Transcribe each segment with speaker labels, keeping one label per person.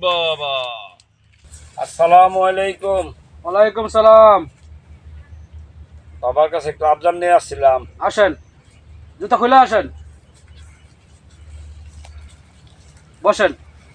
Speaker 1: বাবা,
Speaker 2: আসসালামু আলাইকুম।
Speaker 3: ওয়ালাইকুম সালাম।
Speaker 2: বাবার কাছে একটু আবদার নিয়ে আসছিলাম।
Speaker 3: আসেন, জুতা খুলে আসেন, বসেন।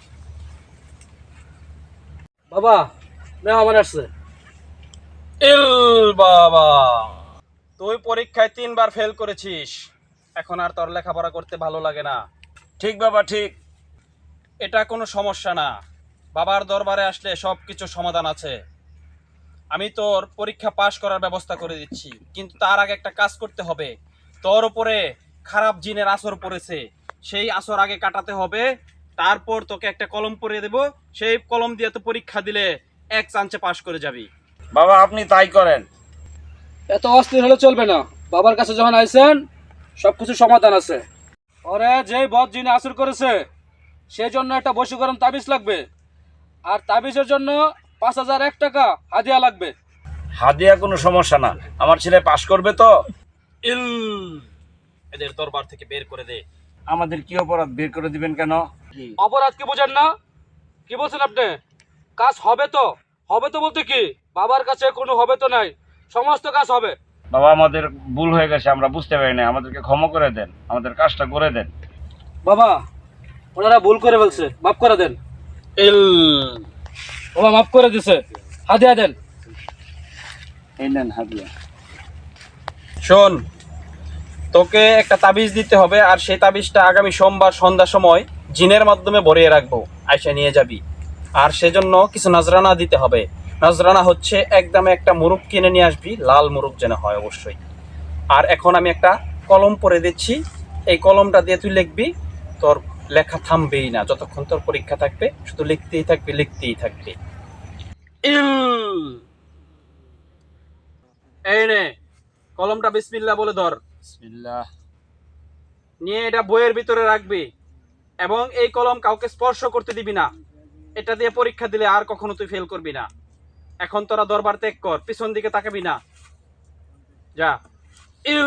Speaker 3: বাবা, মেহমান আসছে।
Speaker 1: ইল বাবা, তুই পরীক্ষায় 3বার ফেল করেছিস, এখন আর তোর লেখাপড়া করতে ভালো লাগে না।
Speaker 2: ঠিক বাবা, ঠিক।
Speaker 1: এটা কোনো সমস্যা না, বাবার দরবারে আসলে সব কিছু সমাধান আছে। আমি তোর পরীক্ষা পাশ করার ব্যবস্থা করে দিচ্ছি, কিন্তু তার আগে একটা কাজ করতে হবে। তোর উপরে খারাপ জিনের আসর পড়েছে, সেই আসর আগে কাটাতে হবে। তারপর তোকে একটা কলম পরিয়ে দেব, সেই কলম দিয়ে তো পরীক্ষা দিলে 1 চান্সে পাশ করে যাবি।
Speaker 2: বাবা আপনি তাই করেন।
Speaker 3: এত অস্থির হলে চলবে না। বাবার কাছে যখন আইছেন, সবকিছু সমাধান আছে। ওরে যে বদ জিনে আসর করেছে, সেই জন্য একটা বশীকরণ তাবিজ লাগবে। আর তাবিজের জন্য 5001 টাকা হাদিয়া লাগবে।
Speaker 2: হাদিয়া কোনো সমস্যা না, আমার ছেলে পাশ করবে তো।
Speaker 1: ইল, এদের দরবার থেকে বের করে দে।
Speaker 2: আমাদের কি অপরাধ, বের করে দিবেন কেন?
Speaker 3: অপরাধ কি বুঝেন না? কি বলছেন আপনি? কাজ হবে তো। হবে তো বলতে কি, বাবার কাছে কোনো হবে তো নাই, সমস্ত কাজ হবে।
Speaker 2: বাবা আমাদের ভুল হয়ে গেছে, আমরা বুঝতে পারি না, আমাদেরকে ক্ষমা করে দেন, আমাদের কাজটা করে দেন।
Speaker 3: বাবা, ওনারা ভুল করে ফেলছে, মাফ করে দেন।
Speaker 1: ইল,
Speaker 3: বাবা মাফ করে দিছে, হাদিয়া দেন।
Speaker 2: এই নেন হাদিয়া।
Speaker 1: শোন, তোকে একটা তাবিজ দিতে হবে, আর সেই তাবিজটা আগামী সোমবার সন্ধ্যার সময় জিনের মাধ্যমে ভরিয়ে রাখবো, আয়সা নিয়ে যাবি। আর সেজন্য কিছু নজরানা দিতে হবে। নজরানা হচ্ছে একদম একটা মুরগ কিনে নিয়ে আসবি, লাল মুরগ যেন হয় অবশ্যই। আর এখন আমি একটা কলম পরে দিচ্ছি, এই কলমটা দিয়ে তুই লিখবি। তোর লেখা থামবেই না, যতক্ষণ তোর পরীক্ষা থাকবে শুধু লিখতেই থাকবি, লিখতেই থাকবি। ইল, এই নে কলমটা, বিসমিল্লাহ বলে ধর।
Speaker 2: বিসমিল্লাহ।
Speaker 1: নিয়ে এটা বইয়ের ভিতরে রাখবি, এবং এই কলম কাউকে স্পর্শ করতে দিবি না। এটা দিয়ে পরীক্ষা দিলে আর কখনো তুই ফেল করবি না। এখন তোরা দরবার ত্যাগ কর, পিছন দিকে তাকাবি না, যা। ইল,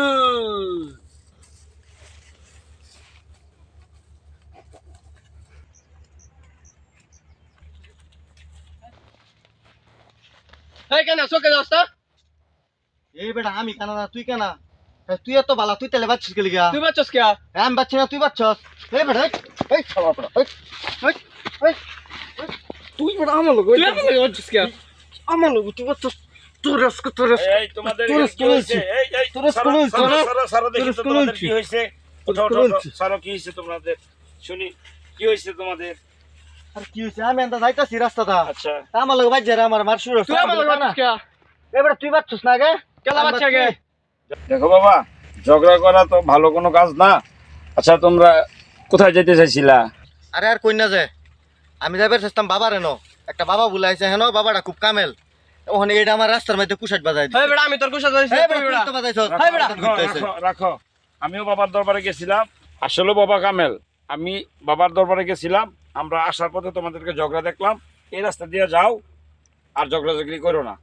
Speaker 4: এই বেটা আমি কেন না তুই কেন তুই এত বালা তুই তেলে বাচ্ছিস গেলি গা
Speaker 1: তুই বাচ্চাস কে?
Speaker 4: আমি বাচ্চি না তুই বাচ্চস এই বেটা এই শালা বেটা এই তুই বেটা আমার লোক
Speaker 1: তুই আমার লগে বাচ্চাস কে?
Speaker 4: আমার লোক তুই বাচ্চস তোর আজকে তোর
Speaker 2: এই তোমাদের
Speaker 4: তোর
Speaker 2: কি হয়েছে? এই
Speaker 4: তোর স্কুল হয়েছে
Speaker 2: সারা দেখি তো
Speaker 4: স্কুল
Speaker 2: তোমাদের
Speaker 4: হয়েছে।
Speaker 2: কি হয়েছে।
Speaker 4: তোর
Speaker 2: ওঠো,
Speaker 4: স্কুল
Speaker 2: ওঠো, ওঠো।
Speaker 4: হয়েছে।
Speaker 2: সারা কি হয়েছে তোমাদের, শুনি কি হয়েছে তোমাদের।
Speaker 4: আর কি হইছে আমি এন্ড যাইতাছি রাস্তাটা
Speaker 2: আচ্ছা
Speaker 4: আমার লোক বাজ্জা আমার মার শুরু
Speaker 1: তুই আমার লগে বাচ্চাস কে?
Speaker 4: এই বেটা তুই বাচ্চস না গে
Speaker 1: কেলা বাচ্চা কে?
Speaker 2: দেখো বাবা, ঝগড়া করা তো ভালো কোনো কাজ না। আচ্ছা তোমরা কোথায় যেতে চাইছিলা?
Speaker 4: আরে আর কই না যে আমি যাইবার চেষ্টাম বাবার এনো একটা বাবা বুলাইছে হেন বাবাটা খুব কামেল ওখানে এটা আমার রাস্তার মধ্যে কুশাট বাজাই
Speaker 1: এই বেটা, আমি তোর কুশা যাইছি,
Speaker 4: এই
Speaker 1: তুই
Speaker 4: বেটা
Speaker 1: বেটা।
Speaker 4: তুই তো বাজাইছস
Speaker 1: এই বেটা,
Speaker 2: রাখো, রাখো। আমিও বাবার দরবারে গেছিলাম, আসলে বাবা কামেল। আমি বাবার দরবারে গেছিলাম, আমরা আসার পথে তোমাদেরকে ঝগড়া দেখলাম। এই রাস্তা দিয়ে যাও, আর ঝগড়াঝগড়ি করো না।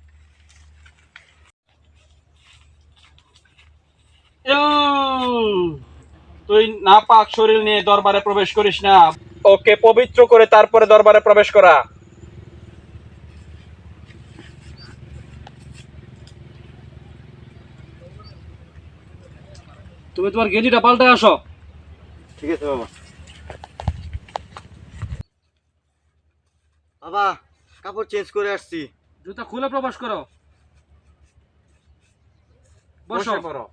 Speaker 1: ইল, তুই নাপাক শরীর নিয়ে দরবারে প্রবেশ করিস না। ওকে পবিত্র করে তারপরে দরবারে প্রবেশ করা।
Speaker 3: তুমি তোমার গেঞ্জিটা পাল্টায় আসো।
Speaker 4: ঠিক আছে বাবা বাবা কাপড় চেঞ্জ করে আসছি
Speaker 3: জুতা খুলে প্রবেশ করো, বসো।
Speaker 1: বসে পড়ো।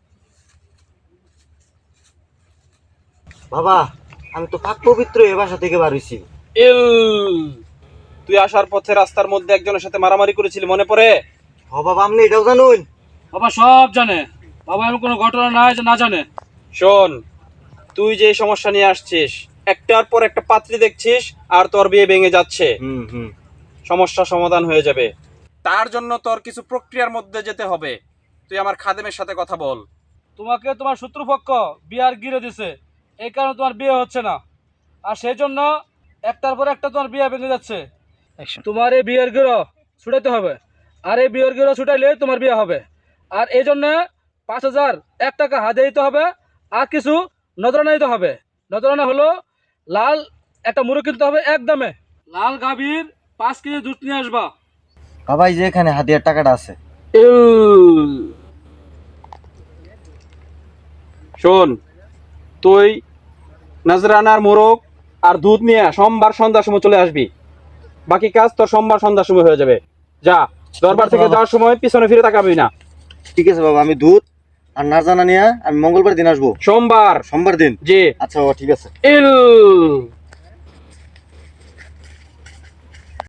Speaker 4: বাবা আমি তো পাক পবিত্র এ বাসা থেকে বার হইছি
Speaker 1: ইল, তুই আসার পথে রাস্তার মধ্যে একজনের সাথে মারামারি করেছিলি, মনে পড়ে?
Speaker 4: হ বাবা আপনি এটাও জানুন
Speaker 3: বাবা সব জানে। বাবা এমন কোনো ঘটনা নাই যে না জানে।
Speaker 1: শোন, তুই যে সমস্যা নিয়ে আসছিস, একটার পর একটা পাত্রী দেখছিস, আর তোর বিয়ে ভেঙে যাচ্ছে।
Speaker 4: হুম
Speaker 1: সমস্যা সমাধান হয়ে যাবে। তার জন্য তোর কিছু প্রক্রিয়ার মধ্যে যেতে হবে। তুই আমার খাদেমের সাথে কথা বল।
Speaker 3: তোমাকে তোমার শত্রুপক্ষ বিয়ার গিরে দিছে, এই কারণে তোমার বিয়ে হচ্ছে না। আর সেই জন্য একটার পর একটা তোমার বিয়ে ভেঙে যাচ্ছে। তোমার এই বিয়ের গিরো ছুটাইতে হবে, আর এই বিয়ের গিরো ছুটাইলে তোমার বিয়ে হবে। আর এই জন্য 5001 টাকা হাদিয়া দিতে হবে, আর কিছু নজরানা দিতে হবে। নজরানা হলো লাল একটা মুরগ কিনতে হবে একদমে। লাল গাভীর 5 কেজি দুধ নিয়ে আসবা।
Speaker 4: বাবা এই যে এখানে হাতিয়ার টাকাটা আছে।
Speaker 1: শোন, তুই নাজরানার মোরগ আর দুধ নিয়ে সোমবার সন্ধ্যার সময় চলে আসবি। বাকি কাজ তোর সোমবার সন্ধ্যার সময় হয়ে যাবে। যা, দরবার থেকে যাওয়ার সময় পিছনে ফিরে তাকাবি না।
Speaker 4: ঠিক আছে বাবা, আমি দুধ আর নারজানা নিয়ে আমি মঙ্গলবার দিন আসবো।
Speaker 1: সোমবার
Speaker 4: সোমবার দিন?
Speaker 1: জি।
Speaker 4: আচ্ছা বাবা, ঠিক আছে।